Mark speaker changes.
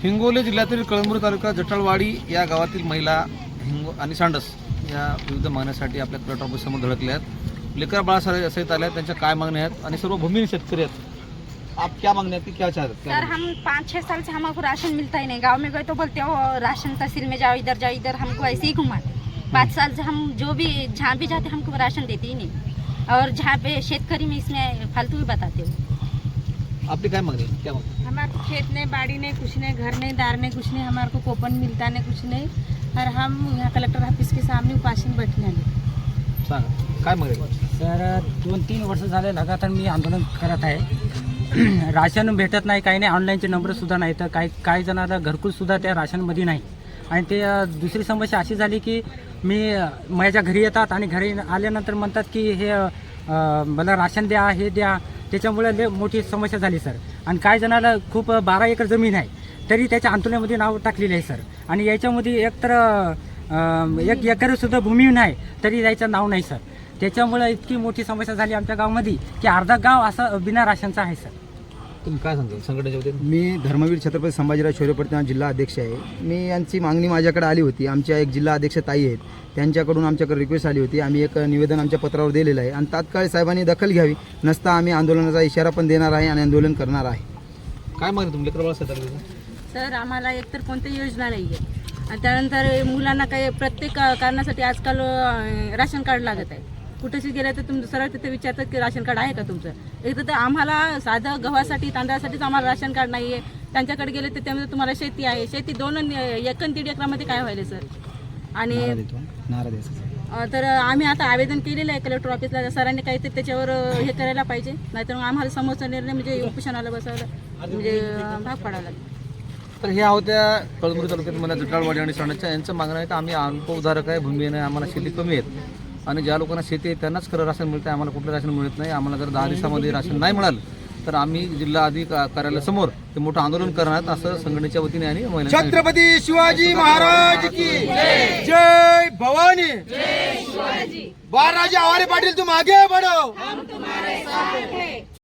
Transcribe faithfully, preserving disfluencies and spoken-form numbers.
Speaker 1: हिंगोली जिल्ह्यातील कळमनुरी तालुका जटाळवाडी या गावातील महिला हिंगो आणि सांडस या विविध मागण्यासाठी आपल्या कलेक्टर ऑफिससमोर धडकल्या आहेत। लेकर बाळासाहेब सहित आल्या, त्यांच्या काय मागण्या आहेत आणि सर्व भूमिहीन शेतकरी आहेत। आप क्या मांगने की क्या चाहते हैं?
Speaker 2: सर, हम पाँच छः साल से हमको राशन मिलता ही नहीं। गांव में गए तो बोलते हो राशन तहसील में जाओ, इधर जाओ, इधर हमको ऐसे ही घुमाते। पाँच साल से हम जो भी जहाँ भी जाते हमको राशन देते ही नहीं, और जहाँ पे शेतकरी में इसमें फालतू ही बताते हो।
Speaker 1: आपली काय मागणी क्या मागणी?
Speaker 3: हमारे को खेत नहीं, बाड़ी नहीं, कुछ नहीं, घर नहीं, दार नहीं, कुछ नहीं, हमारे को कोपन मिलता नहीं, कुछ नहीं। और हम यहाँ कलेक्टर ऑफिस के सामने उपासन बैठने आले।
Speaker 1: सांगा काय मागणी?
Speaker 4: सर, दोन तीन वर्ष झाले लगातार मी आंदोलन करत आहे। राशन भेटत नाही, काही नाही, ऑनलाईनचे नंबरसुद्धा नाही, तर काही काही जणांना घरकुलसुद्धा त्या राशनमध्ये नाही। आणि ते अ, दुसरी समस्या अशी झाली की मी अ, माझ्या घरी येतात आणि घरी आल्यानंतर म्हणतात की हे अ, मला राशन द्या, हे द्या, त्याच्यामुळे लय मोठी समस्या झाली सर। आणि काही जणाला खूप अ, बारा एकर जमीन आहे, तरी त्याच्या अंतुल्यामध्ये नाव टाकलेलं आहे सर। आणि याच्यामध्ये एक तर अ, एक एकरसुद्धा भूमी नाही, तरी याचं नाव नाही सर। त्याच्यामुळे इतकी मोठी समस्या झाली आमच्या गावामध्ये की अर्धा गाव असं बिना राशनचा आहे सर।
Speaker 1: तुम्ही काय सांगता संघटनेच्या वतीने?
Speaker 5: मी धर्मवीर छत्रपती संभाजीराव शौर्य प्रतिमा जिल्हा अध्यक्ष आहे। मी यांची मागणी माझ्याकडे आली होती, आमच्या एक जिल्हा अध्यक्ष ताई आहेत, त्यांच्याकडून आमच्याकडे रिक्वेस्ट आली होती। आम्ही एक निवेदन आमच्या पत्रावर दिलेलं आहे आणि तात्काळ साहेबांनी दखल घ्यावी, नसता आम्ही आंदोलनाचा इशारा पण देणार आहे आणि आंदोलन करणार आहे।
Speaker 1: काय मागणी तुम्ही लेकर बाळासाहेब आल्या?
Speaker 3: सर, आम्हाला एकतर कोणती योजना नाही आहे, आणि त्यानंतर मुलांना काही प्रत्येक कारणासाठी आजकाल अं, राशन कार्ड लागत आहे। कुठेशी गेलं तर तुमचं सरळ तिथे विचारतात की राशन कार्ड आहे का तुमचं। एक तर आम्हाला साधं गव्हासाठी तांदळासाठीच आम्हाला राशन कार्ड नाही आहे। त्यांच्याकडे गेले तर त्यामध्ये तुम्हाला शेती आहे, शेती दोन एक आणि दीड एकरामध्ये काय व्हायला सर। आणि अं, तर आम्ही आता आवेदन केलेलं आहे कलेक्टर ऑफिसला, सरांनी काहीतरी त्याच्यावर अं, हे करायला पाहिजे, नाहीतर मग आम्हाला समोरचा निर्णय म्हणजे उपोषणाला बसायला म्हणजे अं, भाग पाडावा लागेल।
Speaker 1: तर ह्या होत्या कळमनुरी तालुक्यातील मला जटाळवाडी आणि सांडसच्या यांचं मागणं आहे की आम्ही अल्पउधारक आहे, भूमी आहे, आम्हाला शेती कमी आहेत आणि ज्या लोकांना शेती आहे त्यांनाच खरं राशन मिळतं, आम्हाला कुठलं राशन मिळत नाही। आम्हाला जर दहा दिवसामध्ये राशन नाही मिळालं तर आम्ही जिल्हा अधिकारी कार्यालयासमोर ते मोठं आंदोलन करणार असं संघटनेच्या वतीने आणि महिलांनी सांगितलं।
Speaker 5: छत्रपती शिवाजी महाराज की जय भवानी, जय शिवाजी। बाळराजे आवारे पाटील, तुम आगे बढ़ो, हम तुम्हारे साथ हैं।